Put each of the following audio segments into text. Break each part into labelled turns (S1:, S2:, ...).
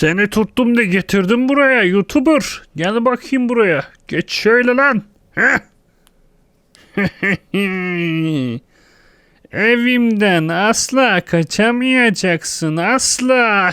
S1: Seni tuttum da getirdim buraya YouTuber. Gel bakayım buraya. Geç şöyle lan. Heh. Evimden asla kaçamayacaksın, asla.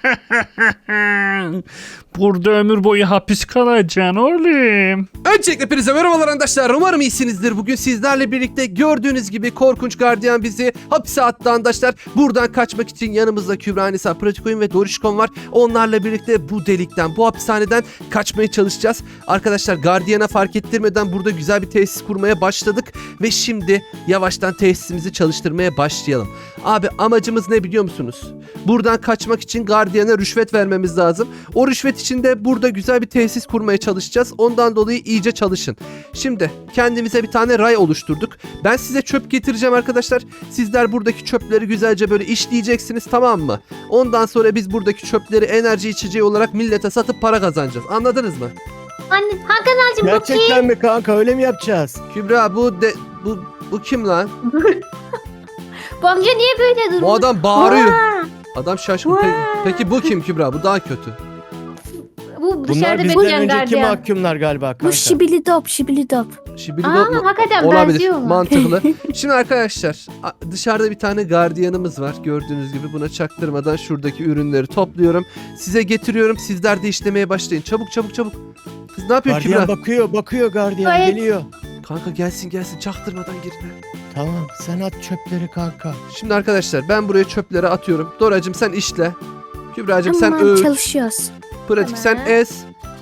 S1: Burada ömür boyu hapis kalacaksın oğlum.
S2: Öncelikle hepinize merhabalar arkadaşlar. Umarım iyisinizdir. Bugün sizlerle birlikte gördüğünüz gibi korkunç gardiyan bizi hapse attı arkadaşlar. Buradan kaçmak için yanımızda Kübra, Nisa, Pratik Oyun ve Dorişkon var. Onlarla birlikte bu delikten, bu hapishaneden kaçmaya çalışacağız. Arkadaşlar gardiyana fark ettirmeden burada güzel bir tesis kurmaya başladık. Ve şimdi yavaştan tesisimizi çalıştırmaya başlayalım. Abi amacımız ne biliyor musunuz? Buradan kaçmak için gardiyana rüşvet vermemiz lazım. O rüşvet için de burada güzel bir tesis kurmaya çalışacağız. Ondan dolayı iyice çalışın. Şimdi kendimize bir tane ray oluşturduk. Ben size çöp getireceğim arkadaşlar. Sizler buradaki çöpleri güzelce böyle işleyeceksiniz, tamam mı? Ondan sonra biz buradaki çöpleri enerji içeceği olarak millete satıp para kazanacağız. Anladınız mı?
S3: Anne Hakan ağacım bu
S4: Gerçekten mi kanka, öyle mi yapacağız?
S2: Kübra bu kim lan?
S3: Bu amca niye böyle durmuş?
S2: Bu adam bağırıyor.
S3: Vaa!
S2: Adam şaşkın. Peki bu kim Kübra? Bu daha kötü.
S3: Bu
S4: Bunlar
S3: dışarıda
S4: bizden
S3: bekleyen
S4: önceki
S3: gardiyan.
S4: mahkumlar galiba kanka.
S5: Bu şibilidop.
S2: Şibili
S3: Aa, hakikaten
S2: olabilir.
S3: benziyorlar.
S2: Mantıklı. Şimdi arkadaşlar dışarıda bir tane gardiyanımız var. Gördüğünüz gibi buna çaktırmadan şuradaki ürünleri topluyorum. Size getiriyorum. Sizler de işlemeye başlayın. Çabuk. Kız ne yapıyor
S4: Gardiyan
S2: Kübra?
S4: bakıyor gardiyan
S3: Evet.
S4: geliyor.
S2: Kanka gelsin çaktırmadan girin.
S4: Tamam, sen at çöpleri kanka.
S2: Şimdi arkadaşlar ben buraya çöpleri atıyorum. Doracığım sen işle. Kübracığım sen
S5: Tamam,
S2: öğüt.
S5: çalışıyoruz.
S2: Pratik sen
S3: Tamam.
S2: ez.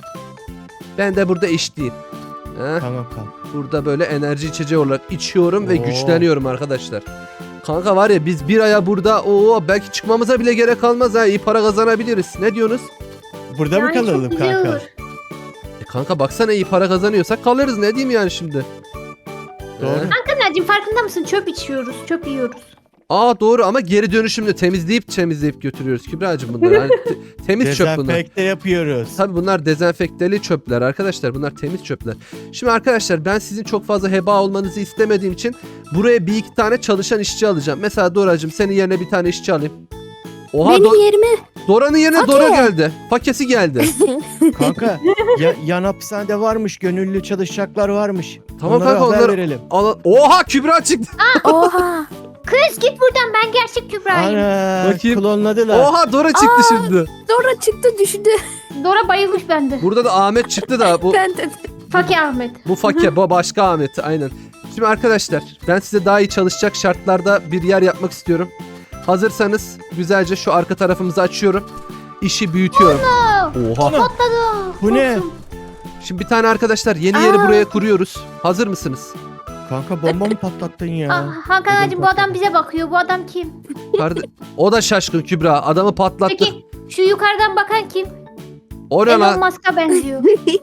S2: Ben de burada işleyeyim. Heh.
S4: Tamam kanka.
S2: Burada böyle enerji içeceği olarak içiyorum ve
S4: Oo.
S2: güçleniyorum arkadaşlar. Kanka var ya biz bir aya burada belki çıkmamıza bile gerek kalmaz ha, iyi para kazanabiliriz. Ne diyorsunuz?
S4: Burada mı
S3: Yani çok
S4: kalalım
S3: güzel
S4: kanka?
S3: olur.
S2: Kanka baksana iyi para kazanıyorsak kalırız, ne diyeyim yani şimdi.
S4: Doğru.
S3: Hakan ağacım farkında mısın? Çöp içiyoruz, çöp yiyoruz.
S2: Aa doğru, ama geri dönüşümlü temizleyip götürüyoruz Kübra'cığım bunları. Hani temiz çöp bunlar.
S4: Dezenfekte yapıyoruz.
S2: Tabii bunlar dezenfekteli çöpler arkadaşlar. Bunlar temiz çöpler. Şimdi arkadaşlar ben sizin çok fazla heba olmanızı istemediğim için buraya bir iki tane çalışan işçi alacağım. Mesela Doracığım senin yerine bir tane işçi alayım. Oha
S5: Benim yerime
S2: Dora'nın yerine
S5: Fake.
S2: Dora geldi. Fakesi geldi.
S4: Kanka yan hapishanede varmış, gönüllü çalışacaklar varmış.
S2: Tamam
S4: Onlara
S2: kanka,
S4: haber
S2: onları
S4: verelim.
S2: Oha Kübra çıktı.
S5: oha.
S3: Kız git buradan, ben gerçek Kübra'yım.
S4: Ana,
S2: Bakayım.
S4: klonladılar.
S2: Oha Dora çıktı
S5: Aa.
S2: şimdi.
S5: Dora çıktı düştü.
S3: Dora bayılmış bende.
S2: Burada da Ahmet çıktı da bu
S5: Ben de.
S3: Fakir Ahmet.
S2: bu başka Ahmet aynen. Şimdi arkadaşlar ben size daha iyi çalışacak şartlarda bir yer yapmak istiyorum. Hazırsanız güzelce şu arka tarafımızı açıyorum. İşi büyütüyorum. Oha.
S4: Bu ne?
S2: Şimdi bir tane arkadaşlar yeni yeri
S5: Aa.
S2: buraya kuruyoruz. Hazır mısınız?
S4: Kanka bomba mı patlattın ya?
S3: Hakan
S4: Ödüm
S3: ağacım bu adam bize bakıyor. Bu adam kim?
S2: O da şaşkın Kübra. Adamı patlattık.
S3: Peki şu yukarıdan bakan kim?
S2: O ne
S3: Elon
S2: lan?
S3: Musk'a benziyor.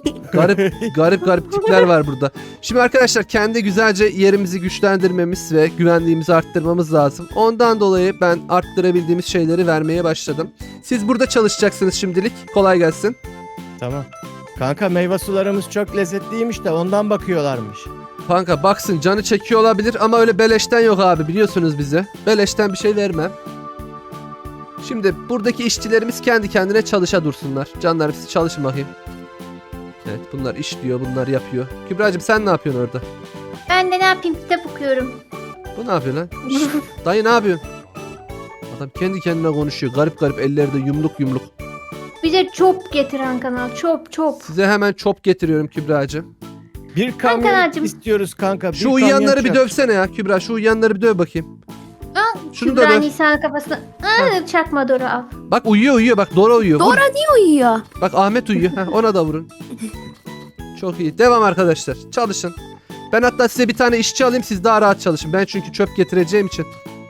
S2: Garip tipler var burada. Şimdi arkadaşlar kendi güzelce yerimizi güçlendirmemiz ve güvenliğimizi arttırmamız lazım. Ondan dolayı ben arttırabildiğimiz şeyleri vermeye başladım. Siz burada çalışacaksınız şimdilik. Kolay gelsin.
S4: Tamam. Kanka meyve sularımız çok lezzetliymiş de ondan bakıyorlarmış.
S2: Kanka baksın canı çekiyor olabilir ama öyle beleşten yok abi, biliyorsunuz bizi. Beleşten bir şey vermem. Şimdi buradaki işçilerimiz kendi kendine çalışa dursunlar. Canlarım siz çalışın bakayım. Evet bunlar işliyor, bunlar yapıyor. Kübra'cığım sen ne yapıyorsun orada?
S3: Ben de ne yapayım, kitap okuyorum.
S2: Bu ne yapıyor lan? Şşt, dayı ne yapıyorsun? Adam kendi kendine konuşuyor. Garip elleri de yumruk.
S3: Bize çöp getir Hakan ağacı. Çöp.
S2: Size hemen çop getiriyorum Kübra'cığım.
S4: Bir kamyon
S3: Kankacığım.
S4: istiyoruz kanka. Bir
S2: Şu uyuyanları bir
S4: kamyon çöp.
S2: dövsene ya Kübra. Şu uyuyanları bir döv bakayım. Şunu da
S3: Kübra
S2: döv.
S3: Nisa'nın kafasına. Çakma Dora al.
S2: Bak uyuyor bak Dora uyuyor. Vur.
S5: Dora niye uyuyor?
S2: Bak Ahmet uyuyor. Heh, ona da vurun. Çok iyi. Devam arkadaşlar. Çalışın. Ben hatta size bir tane işçi alayım, siz daha rahat çalışın. Ben çünkü çöp getireceğim için.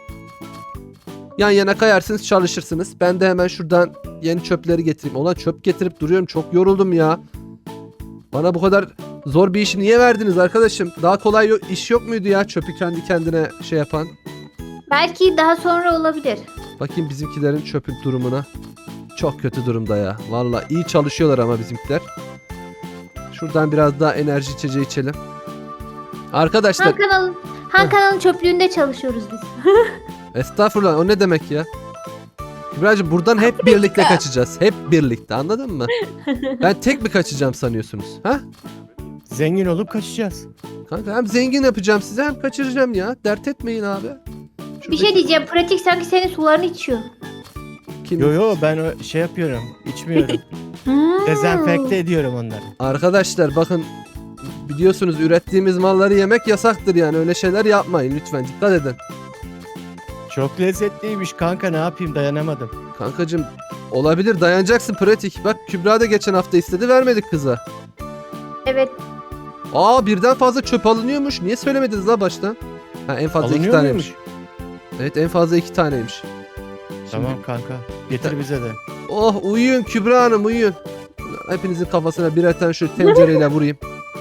S2: Yan yana kayarsınız, çalışırsınız. Ben de hemen şuradan yeni çöpleri getireyim. Ulan çöp getirip duruyorum. Çok yoruldum ya. Bana bu kadar zor bir işi niye verdiniz arkadaşım? Daha kolay iş yok muydu ya, çöpü kendi kendine şey yapan?
S3: Belki daha sonra olabilir.
S2: Bakayım bizimkilerin çöpün durumuna. Çok kötü durumda ya. Vallahi iyi çalışıyorlar ama bizimkiler. Şuradan biraz daha enerji içeceği içelim. Arkadaşlar
S3: Han kanalın çöplüğünde çalışıyoruz biz.
S2: estağfurullah, o ne demek ya? Kübra'cığım buradan hep birlikte kaçacağız. Hep birlikte, anladın mı? Ben tek mi kaçacağım sanıyorsunuz? Ha?
S4: Zengin olup kaçacağız.
S2: Kanka hem zengin yapacağım size hem kaçıracağım ya. Dert etmeyin abi.
S3: Bir şey diyeceğim. Pratik sanki senin sularını içiyor.
S2: Kim?
S4: Yo ben şey yapıyorum. İçmiyorum. Dezenfekte ediyorum onları.
S2: Arkadaşlar bakın, biliyorsunuz ürettiğimiz malları yemek yasaktır yani. Öyle şeyler yapmayın lütfen, dikkat edin.
S4: Çok lezzetliymiş kanka, ne yapayım, dayanamadım.
S2: Kankacığım olabilir, dayanacaksın pratik. Bak Kübra da geçen hafta istedi, vermedik kıza.
S3: Evet.
S2: Aa, birden fazla çöp alınıyormuş. Niye söylemediniz la baştan? Ha, en fazla 2
S4: Alınıyor
S2: taneymiş.
S4: muymuş?
S2: Evet, en fazla 2 taneymiş.
S4: Tamam kanka. Getir bize de.
S2: Oh, uyuyun Kübra Hanım, uyuyun. Hepinizin kafasına birer tane şu tencereyle vurayım.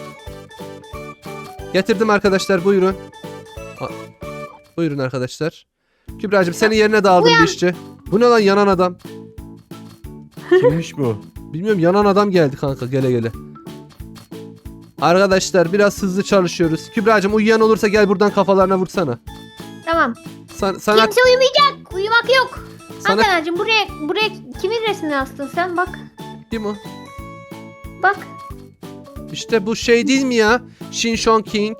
S2: Getirdim arkadaşlar, buyurun. Buyurun arkadaşlar. Kübra'cığım senin yerine dağıldım bir işçi. Bu ne lan, yanan adam?
S4: Kimmiş bu?
S2: Bilmiyorum, yanan adam geldi kanka gele gele. Arkadaşlar biraz hızlı çalışıyoruz. Kübra'cığım uyuyan olursa gel buradan kafalarına vursana.
S3: Tamam.
S2: Sana,
S3: Kimse uyumayacak. Uyumak yok.
S2: sana
S3: Hakan'cığım buraya kimin resmini astın sen? Bak.
S2: kim o?
S3: Bak.
S2: İşte bu şey değil mi ya? Shin Shon King.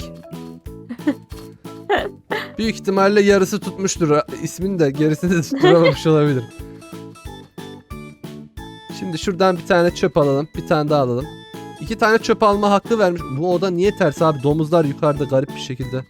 S2: Büyük ihtimalle yarısı tutmuştur. İsmini de gerisini de tutturamamış olabilir. Şimdi şuradan bir tane çöp alalım. Bir tane daha alalım. 2 tane çöp alma hakkı vermiş. Bu oda niye ters abi? Domuzlar yukarıda garip bir şekilde.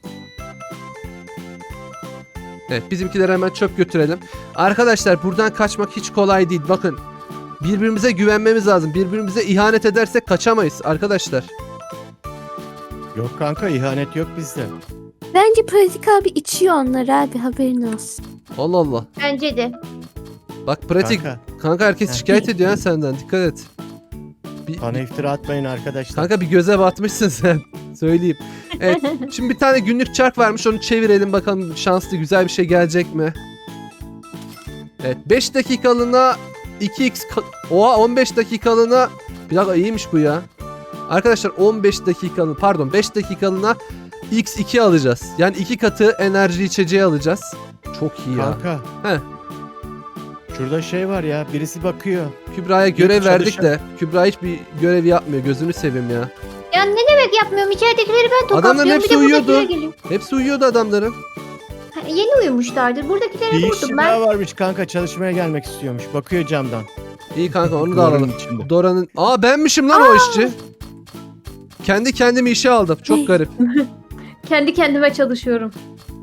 S2: Evet, bizimkilere hemen çöp götürelim. Arkadaşlar buradan kaçmak hiç kolay değil. Bakın. Birbirimize güvenmemiz lazım. Birbirimize ihanet edersek kaçamayız arkadaşlar.
S4: Yok kanka, ihanet yok bizde.
S5: Bence Pratik abi içiyor onları abi, haberin olsun.
S2: Allah Allah.
S3: Bence de.
S2: Bak pratik.
S4: Kanka,
S2: Kanka herkes
S4: Heh.
S2: şikayet ediyor ha senden. Dikkat et.
S4: bana iftira atmayın arkadaşlar.
S2: Kanka bir göze batmışsın sen. Söyleyeyim. Evet. Şimdi bir tane günlük çark varmış. Onu çevirelim bakalım, şanslı güzel bir şey gelecek mi? Evet. 5 dakikalığına 2x Oha, 15 dakikalığına bir dakika, iyiymiş bu ya. Arkadaşlar 15 dakikalığına, pardon 5 dakikalığına x2 alacağız. Yani 2 katı enerji içeceği alacağız. Çok iyi ya.
S4: Kanka.
S2: Heh.
S4: Şurada şey var ya, birisi bakıyor.
S2: Kübra'ya görev
S4: Çalışan-
S2: verdik de Kübra hiçbir görev yapmıyor. Gözünü seveyim ya.
S3: Ya ne demek yapmıyorum? İçeridekileri ben
S2: Adamların
S3: tokatlıyorum.
S2: hepsi
S3: Bir de
S2: uyuyordu.
S3: buradakiler geliyor.
S2: Hepsi uyuyordu adamların.
S3: Ha, yeni uyumuşlardır. Buradakileri
S4: Bir
S3: vurdum
S4: işçi
S3: ben.
S4: daha varmış kanka, çalışmaya gelmek istiyormuş. Bakıyor camdan.
S2: İyi kanka, onu da
S4: Duvarın
S2: alalım.
S4: içinde.
S2: Dora'nın... Aa, benmişim lan o işçi. Kendi kendimi işe aldım. Çok garip.
S3: Kendi kendime çalışıyorum.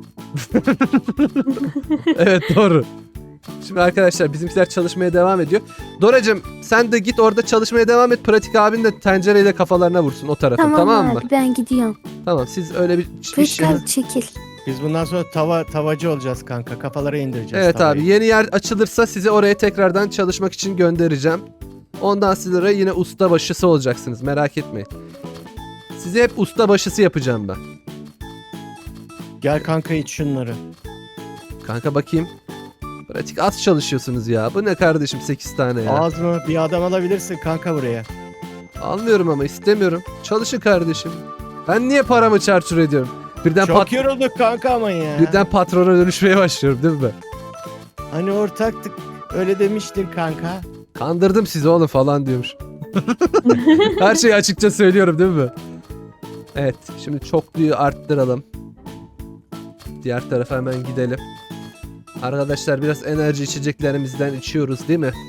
S2: Evet, doğru. Şimdi arkadaşlar bizimkiler çalışmaya devam ediyor. Doracığım sen de git orada çalışmaya devam et. Pratik abin de tencereyle kafalarına vursun o tarafı. Tamam, mı?
S5: abi, ben gidiyorum.
S2: Tamam, siz öyle bir iş
S5: Pratik abi çekil.
S4: Biz bundan sonra tavacı olacağız kanka. Kafalara indireceğiz
S2: Evet
S4: tavayı.
S2: abi, yeni yer açılırsa sizi oraya tekrardan çalışmak için göndereceğim. Ondan sonra yine usta başısı olacaksınız, merak etmeyin. Sizi hep usta başısı yapacağım ben.
S4: Gel kanka, iç şunları.
S2: Kanka bakayım. Pratik az çalışıyorsunuz ya. Bu ne kardeşim, 8 tane ya.
S4: Az mı? Bir adam alabilirsin kanka buraya.
S2: Almıyorum ama istemiyorum. Çalışın kardeşim. Ben niye paramı çarçur ediyorum? Birden,
S4: Çok yorulduk kanka ama ya.
S2: birden patrona dönüşmeye başlıyorum değil mi?
S4: Hani ortaktık. Öyle demiştin kanka.
S2: Kandırdım sizi oğlum falan diyormuş. Her şeyi açıkça söylüyorum değil mi? Evet, şimdi çokluyu arttıralım. Diğer tarafa hemen gidelim. Arkadaşlar biraz enerji içeceklerimizden içiyoruz değil mi?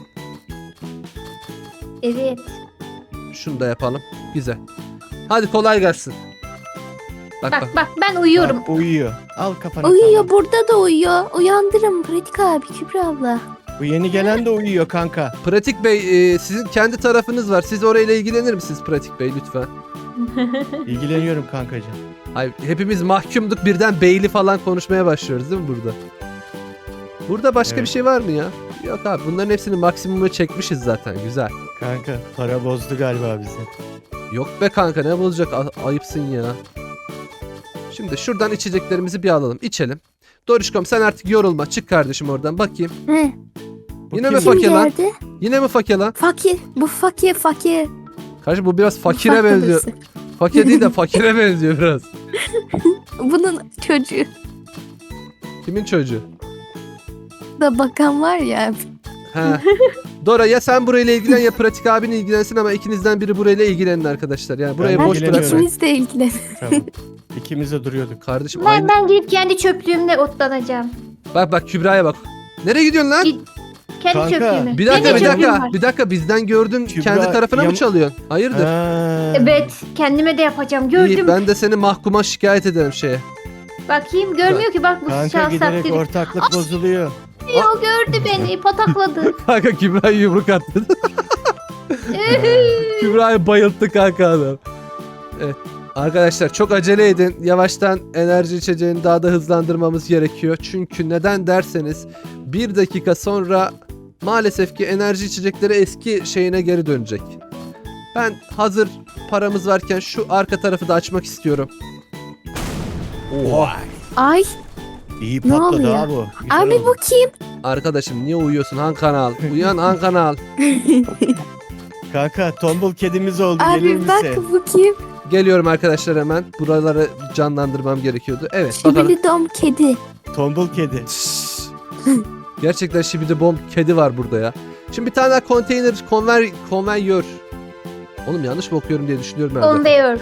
S3: Evet.
S2: Şunu da yapalım. Güzel. Hadi kolay gelsin. Bak bak.
S3: Bak ben uyuyorum.
S4: Bak, uyuyor. Al kafana.
S5: Uyuyor,
S4: tamam.
S5: burada da uyuyor. Uyandırın Pratik abi, Kübra abla.
S4: Bu yeni gelen de uyuyor kanka.
S2: Pratik Bey, sizin kendi tarafınız var. Siz orayla ilgilenir misiniz Pratik Bey lütfen?
S4: İlgileniyorum kankacığım.
S2: Ay, hepimiz mahkumduk, birden beyli falan konuşmaya başlıyoruz değil mi burada? Burada başka
S4: Evet.
S2: bir şey var mı ya? Yok abi, bunların hepsini maksimuma çekmişiz zaten, güzel.
S4: Kanka para bozdu galiba bizi.
S2: Yok be kanka, ne bulacak, ayıpsın ya. Şimdi şuradan içeceklerimizi bir alalım, içelim. Doruşkom sen artık yorulma, çık kardeşim oradan bakayım.
S5: He.
S2: Yine mi
S4: kim?
S2: fakir lan?
S5: geldi?
S2: Yine mi fakir lan?
S5: Fakir. Bu fakir.
S2: Kardeşim bu biraz fakire
S5: Ufak
S2: benziyor.
S5: babası.
S2: Fakir değil de fakire benziyor biraz.
S5: Bunun çocuğu
S2: Kimin çocuğu?
S5: da bakan var ya.
S2: Ha. Dora ya sen burayla ilgilen ya Pratik abin ilgilensin ama ikinizden biri burayla ilgilenin arkadaşlar. Yani burayı
S4: Ben
S2: boş
S4: ilgileniyorum.
S2: bırakmayın.
S5: İkimiz de ilgilen.
S4: Tamam. İkimiz de duruyorduk.
S2: Kardeşim
S3: Ben,
S2: aynı.
S3: ben gidip kendi çöplüğümle otlanacağım.
S2: Bak Kübra'ya bak. Nereye gidiyorsun lan?
S3: Git. Kendi
S4: Kanka,
S3: çöplüğüme.
S2: Bir dakika
S3: Benim
S2: bir
S3: de çöplüğüm
S2: dakika.
S3: var.
S2: Bir dakika bizden gördün
S4: Kübra,
S2: kendi tarafına mı
S4: yam-
S2: çalıyorsun? Hayırdır?
S4: Ha.
S3: Evet. Kendime de yapacağım.
S2: İyi,
S3: Gördüm.
S2: ben de seni mahkuma şikayet ederim şeye.
S3: Bakayım görmüyor ki bak bu
S4: Kanka
S3: şahsat
S4: giderek
S3: dedi.
S4: ortaklık bozuluyor.
S3: O gördü beni patakladı.
S2: Kanka Kübra'yı yumruk attı. Kübra'yı bayılttı kanka adam. Evet. Arkadaşlar çok acele edin. Yavaştan enerji içeceğini daha da hızlandırmamız gerekiyor. Çünkü neden derseniz 1 dakika sonra maalesef ki enerji içecekleri eski şeyine geri dönecek. Ben hazır paramız varken şu arka tarafı da açmak istiyorum.
S4: Oha.
S5: Ay
S4: İyi
S5: Ne
S4: patladı
S5: oluyor?
S4: ha bu. Güzel
S5: abi
S4: oldu.
S5: bu kim?
S2: Arkadaşım niye uyuyorsun Han Kanal? Uyan Han Kanal.
S4: Kanka tombul kedimiz oldu gelir
S5: Abi bak
S4: misin?
S5: bu kim?
S2: Geliyorum arkadaşlar hemen. Buraları canlandırmam gerekiyordu. Evet bakalım.
S5: Şibili dom kedi.
S4: Tombul kedi.
S2: Gerçekten şibidi bomb kedi var burada ya. Şimdi bir tane daha konteyner konveyör. Oğlum yanlış mı okuyorum diye düşünüyorum herhalde.
S3: Konveyör.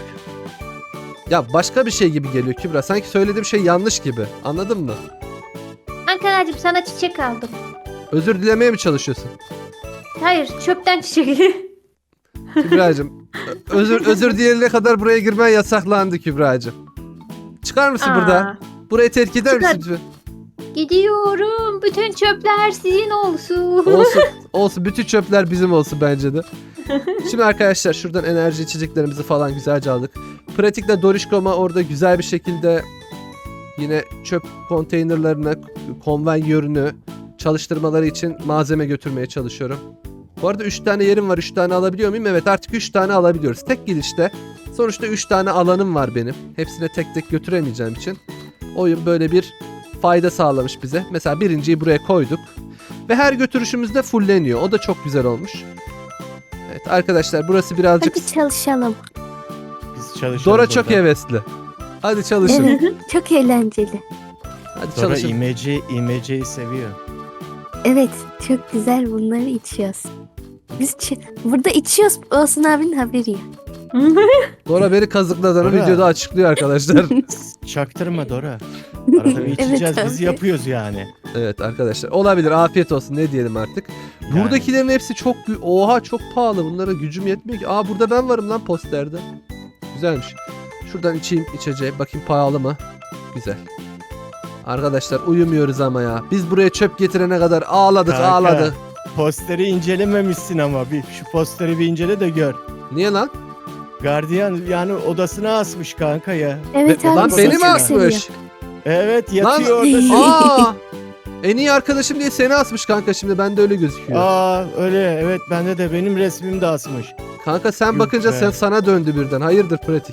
S2: Ya başka bir şey gibi geliyor Kübra. Sanki söylediğim şey yanlış gibi. Anladın mı?
S3: Ankara'cığım sana çiçek aldım.
S2: Özür dilemeye mi çalışıyorsun?
S3: Hayır çöpten çiçek.
S2: Kübra'cığım özür dileyene kadar buraya girmen yasaklandı Kübra'cığım. Çıkar mısın
S3: Aa,
S2: burada? Burayı terk eder
S3: Çıkar.
S2: misin lütfen?
S3: Gidiyorum. Bütün çöpler sizin olsun.
S2: Olsun bütün çöpler bizim olsun bence de. Şimdi arkadaşlar şuradan enerji içeceklerimizi falan güzelce aldık. Pratikle Dorişkom'a orada güzel bir şekilde yine çöp konteynerlarına konveyörünü çalıştırmaları için malzeme götürmeye çalışıyorum. Bu arada 3 tane yerim var. 3 tane alabiliyor muyum? Evet artık 3 tane alabiliyoruz. Tek gidişte. Sonuçta 3 tane alanım var benim. Hepsine tek tek götüremeyeceğim için. Oyun böyle bir fayda sağlamış bize. Mesela birinciyi buraya koyduk. Ve her götürüşümüzde fulleniyor. O da çok güzel olmuş. Evet arkadaşlar burası birazcık...
S5: Hadi çalışalım.
S4: Biz çalışalım
S2: Dora
S4: burada.
S2: çok hevesli. Hadi çalışın.
S5: Evet, çok eğlenceli.
S2: Hadi
S4: Dora
S2: çalışın.
S4: imeceyi seviyor.
S5: Evet çok güzel bunları içiyoruz. Biz burada içiyoruz. Olsun abinin haberi yok.
S2: Dora beni kazıkladığını
S4: Dora.
S2: videoda açıklıyor arkadaşlar.
S4: Çaktırma Dora. Arada bir içeceğiz
S5: Evet,
S4: biz
S5: abi.
S4: yapıyoruz yani.
S2: Evet arkadaşlar olabilir afiyet olsun ne diyelim artık. Buradakilerin hepsi çok oha çok pahalı bunlara gücüm yetmiyor ki. Aa burada ben varım lan posterde. Güzelmiş. Şuradan içeyim içeceği bakayım pahalı mı? Güzel. Arkadaşlar uyumuyoruz ama ya. Biz buraya çöp getirene kadar ağladık
S4: Kanka.
S2: ağladık.
S4: Posteri incelememişsin ama şu posteri bir incele de gör.
S2: Niye lan?
S4: Gardiyan yani odasına asmış kanka ya.
S5: Evet abi.
S2: Lan
S5: seni
S2: beni mi
S5: çok
S2: asmış?
S5: seviyor.
S4: Evet yatıyor
S2: Lan-
S4: orada.
S2: Aa! En iyi arkadaşım diye seni asmış kanka şimdi bende öyle gözüküyor.
S4: Aa öyle evet bende de benim resmim de asmış.
S2: Kanka sen
S4: Yok
S2: bakınca
S4: be.
S2: sana döndü birden. Hayırdır pratik.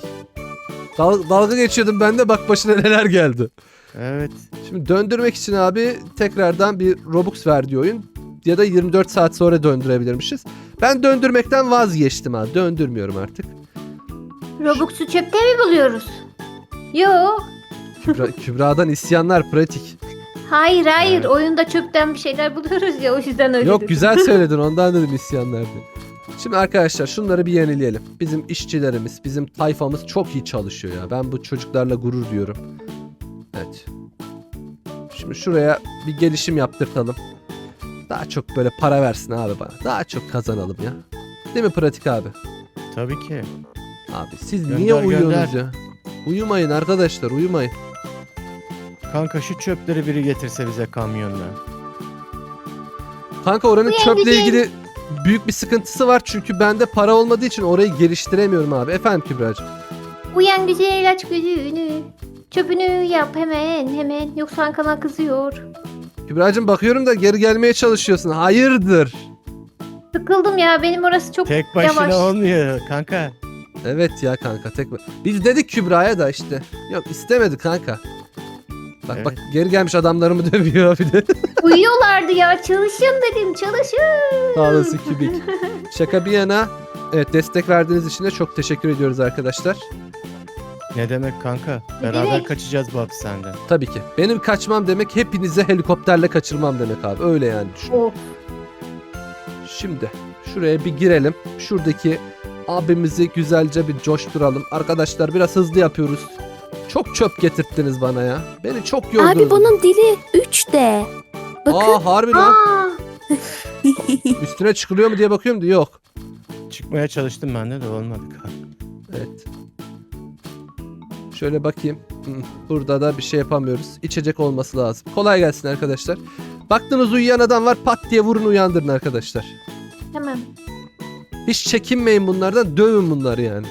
S2: Dalga geçiyordum ben de bak başına neler geldi.
S4: Evet.
S2: Şimdi döndürmek için abi tekrardan bir Robux verdi oyun. Ya da 24 saat sonra döndürebilirmişiz. Ben döndürmekten vazgeçtim abi. Döndürmüyorum artık.
S3: Robux'u çöpte mi buluyoruz? Yok.
S2: Kübra'dan isyanlar pratik.
S3: Hayır
S4: Evet.
S3: oyunda çöpten bir şeyler buluyoruz ya o yüzden öyle
S2: Yok
S3: dedim.
S2: güzel söyledin ondan dedim isyanlar diye. Şimdi arkadaşlar şunları bir yenileyelim. Bizim işçilerimiz, bizim tayfamız çok iyi çalışıyor ya. Ben bu çocuklarla gurur duyuyorum. Evet. Şimdi şuraya bir gelişim yaptırtalım. Daha çok böyle para versin abi bana. Daha çok kazanalım ya. Değil mi pratik abi?
S4: Tabii ki.
S2: Abi siz
S4: Gönder,
S2: niye uyuyorsunuz
S4: gönder.
S2: ya? Uyumayın arkadaşlar uyumayın.
S4: Kanka şu çöpleri biri getirse bize kamyonla.
S2: Kanka oranın
S3: Uyan
S2: çöple
S3: güzel.
S2: ilgili büyük bir sıkıntısı var. Çünkü bende para olmadığı için orayı geliştiremiyorum abi. Efendim Kübra'cığım.
S3: Uyan güzel aç gözünü. Çöpünü yap hemen. Yoksa Ankara kızıyor.
S2: Kübra'cığım bakıyorum da geri gelmeye çalışıyorsun. Hayırdır?
S3: Sıkıldım ya benim orası çok
S4: Tek başına
S3: yavaş.
S4: olmuyor kanka.
S2: Evet ya kanka biz dedik Kübra'ya da işte. Yok istemedi kanka. Bak bak geri gelmiş adamlarımı dövüyor bir de.
S3: Uyuyorlardı ya çalışın dedim çalışın.
S2: Sağ olasın Kübik. Şaka bir yana. Evet destek verdiğiniz için de çok teşekkür ediyoruz arkadaşlar.
S4: Ne demek kanka?
S3: Ne
S4: Beraber
S3: demek?
S4: kaçacağız bu hapishaneden.
S2: Tabii ki. Benim kaçmam demek hepinize helikopterle kaçırmam demek abi. Öyle yani düşün.
S3: Of.
S2: Şimdi şuraya bir girelim. Şuradaki abimizi güzelce bir coşturalım. Arkadaşlar biraz hızlı yapıyoruz. Çok çöp getirttiniz bana ya. Beni çok yordunuz.
S5: Abi bunun dili 3D. Bakın.
S2: Aa harbi lan.
S3: Aa,
S2: Üstüne çıkılıyor mu diye bakıyorum da yok.
S4: Çıkmaya çalıştım ben de olmadı kanka.
S2: Evet. Şöyle bakayım. Burada da bir şey yapamıyoruz. İçecek olması lazım. Kolay gelsin arkadaşlar. Baktınız uyuyan adam var, pat diye vurun uyandırın arkadaşlar.
S3: tamam.
S2: Hiç çekinmeyin bunlardan, dövün bunları yani.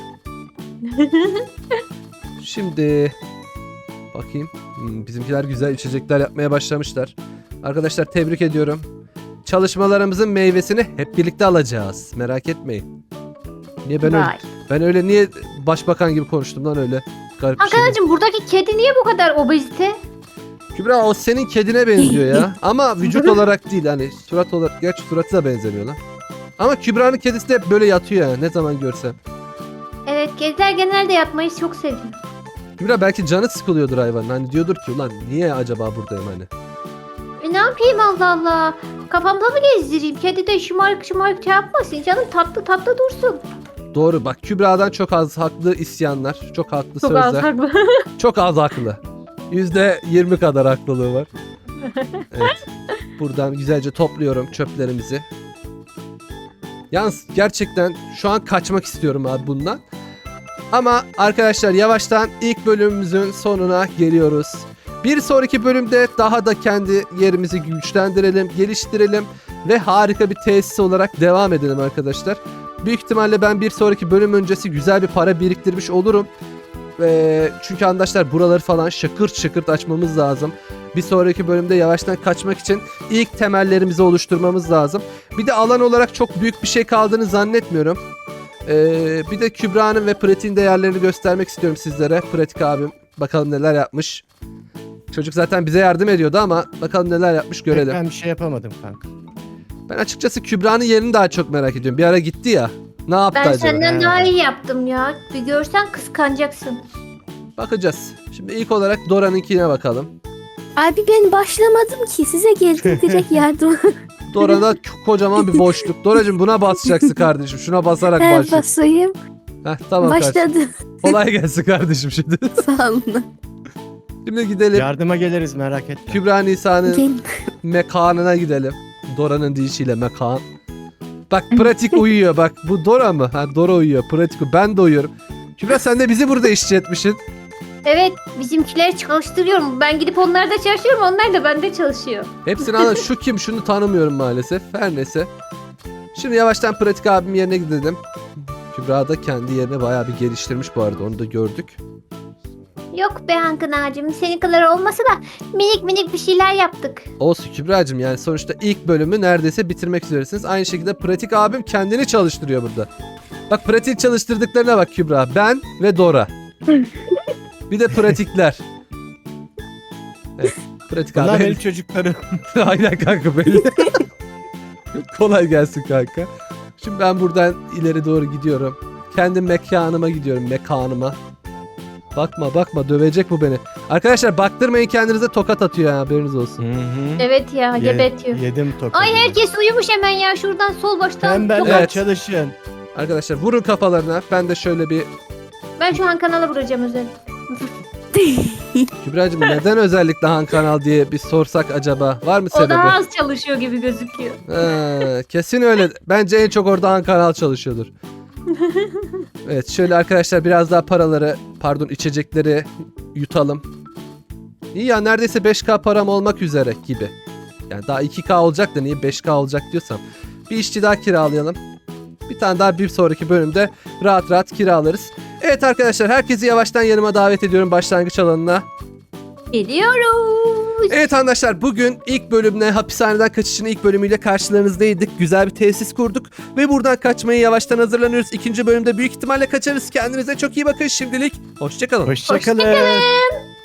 S2: Şimdi bakayım. Bizimkiler güzel içecekler yapmaya başlamışlar. Arkadaşlar tebrik ediyorum. Çalışmalarımızın meyvesini hep birlikte alacağız. Merak etmeyin. Niye
S3: Vay.
S2: ben öyle niye başbakan gibi konuştum lan öyle? Garip bir şey.
S3: Hakan'cığım buradaki kedi niye bu kadar obezite?
S2: Kübra o senin kedine benziyor ya. Ama vücut olarak değil hani surat olarak. Gerçi suratı da benzemiyor lan. Ama Kübra'nın kedisi de hep böyle yatıyor ya ne zaman görsem.
S3: Evet, kediler genelde yatmayı çok seviyor.
S2: Kübra belki canı sıkılıyordur hayvanın. Hani diyordur ki ulan niye acaba buradayım hani.
S3: Ne yapayım Allah Allah? Kafamda mı gezdireyim? Kedi de şımarık şımarık şey yapmasın. Canım tatlı tatlı dursun.
S2: Doğru bak Kübra'dan çok az haklı isyanlar. Çok haklı
S3: Çok
S2: sözler.
S3: az haklı.
S2: Çok az haklı. %20 kadar haklılığı var. Evet. Buradan güzelce topluyorum çöplerimizi. Yalnız gerçekten şu an kaçmak istiyorum abi bundan. Ama arkadaşlar yavaştan ilk bölümümüzün sonuna geliyoruz. Bir sonraki bölümde daha da kendi yerimizi güçlendirelim, geliştirelim ve harika bir tesis olarak devam edelim arkadaşlar. Büyük ihtimalle ben bir sonraki bölüm öncesi güzel bir para biriktirmiş olurum. Çünkü arkadaşlar buraları falan şakırt şakırt açmamız lazım. Bir sonraki bölümde yavaştan kaçmak için ilk temellerimizi oluşturmamız lazım. Bir de alan olarak çok büyük bir şey kaldığını zannetmiyorum. Bir de Kübra'nın ve Pratik'in değerlerini göstermek istiyorum sizlere. Pratik abim bakalım neler yapmış. Çocuk zaten bize yardım ediyordu ama bakalım neler yapmış görelim.
S4: Ben bir şey yapamadım kanka.
S2: Ben açıkçası Kübra'nın yerini daha çok merak ediyorum. Bir ara gitti ya. Ne yaptı
S3: Ben
S2: acaba?
S3: senden
S4: He.
S3: daha iyi yaptım ya. Bir görsen kıskanacaksın.
S2: Bakacağız. Şimdi ilk olarak Dora'nınkine bakalım.
S5: Abi ben başlamadım ki. Size geldim direkt yardım.
S2: Dora'da kocaman bir boşluk. Dora'cığım buna basacaksın kardeşim. Şuna basarak
S5: He,
S2: başla.
S5: basayım.
S2: Heh, tamam kardeşim.
S5: Başladı.
S2: Kolay gelsin kardeşim şimdi.
S5: Sağ olun.
S2: Şimdi gidelim.
S4: Yardıma geliriz merak etme.
S2: Kübra Nisa'nın
S5: Gel.
S2: mekanına gidelim. Dora'nın deyişiyle mekan. Bak pratik uyuyor bak. Bu Dora mı? Ha Dora uyuyor. Pratik ben de uyuyorum. Kübra sen de bizi burada işçi etmişsin.
S3: Evet, bizimkileri çalıştırıyorum. Ben gidip onlarda çalışıyorum, onlar da bende çalışıyor.
S2: Hepsini anla. Şu kim? Şunu tanımıyorum maalesef. Her neyse. Şimdi yavaştan pratik abim yerine gidelim. Kübra da kendi yerini bayağı bir geliştirmiş bu arada. Onu da gördük.
S3: Yok be Hakan ağacım, senin kadar olmasa da minik minik bir şeyler yaptık.
S2: Olsun Kübra'cığım yani sonuçta ilk bölümü neredeyse bitirmek üzeresiniz. Aynı şekilde pratik abim kendini çalıştırıyor burada. Bak pratik çalıştırdıklarına bak Kübra. Ben ve Dora. Bir de pratikler. Evet. Pratik
S4: Bunlar
S2: abi.
S4: benim çocuklarım.
S2: Aynen kanka benim. Kolay gelsin kanka. Şimdi ben buradan ileri doğru gidiyorum. Kendi mekanıma gidiyorum. Mekanıma. Bakma dövecek bu beni. Arkadaşlar baktırmayın kendinize tokat atıyor ya haberiniz olsun.
S4: Hı hı.
S3: Evet ya, gebetiyor.
S4: Yedim tokadı.
S3: Ay herkes uyumuş hemen ya, şuradan sol baştan.
S4: Tembeller
S2: Evet.
S4: çalışın.
S2: Arkadaşlar vurun kafalarına. Ben de şöyle bir...
S3: Ben şu an kanala vuracağım özel.
S2: Kübra'cığım neden özellikle Han Kanal diye bir sorsak acaba? Var mı
S3: O
S2: sebebi?
S3: daha az çalışıyor gibi gözüküyor.
S2: Kesin öyle. Bence en çok orada Han Kanal çalışıyordur. Evet şöyle arkadaşlar biraz daha içecekleri yutalım. İyi ya neredeyse 5K param olmak üzere gibi. Yani daha 2K olacak da niye 5K olacak diyorsam. Bir işçi daha kiralayalım. Bir tane daha bir sonraki bölümde rahat rahat kiralarız. Evet arkadaşlar herkesi yavaştan yanıma davet ediyorum başlangıç alanına.
S3: Gidiyoruz.
S2: Evet arkadaşlar bugün ilk bölümle hapishaneden kaçışın ilk bölümüyle karşılarınızdaydık. Güzel bir tesis kurduk ve buradan kaçmaya yavaştan hazırlanıyoruz. İkinci bölümde büyük ihtimalle kaçarız. Kendinize çok iyi bakın şimdilik. Hoşçakalın.
S4: Hoşçakalın.
S3: Hoşçakalın.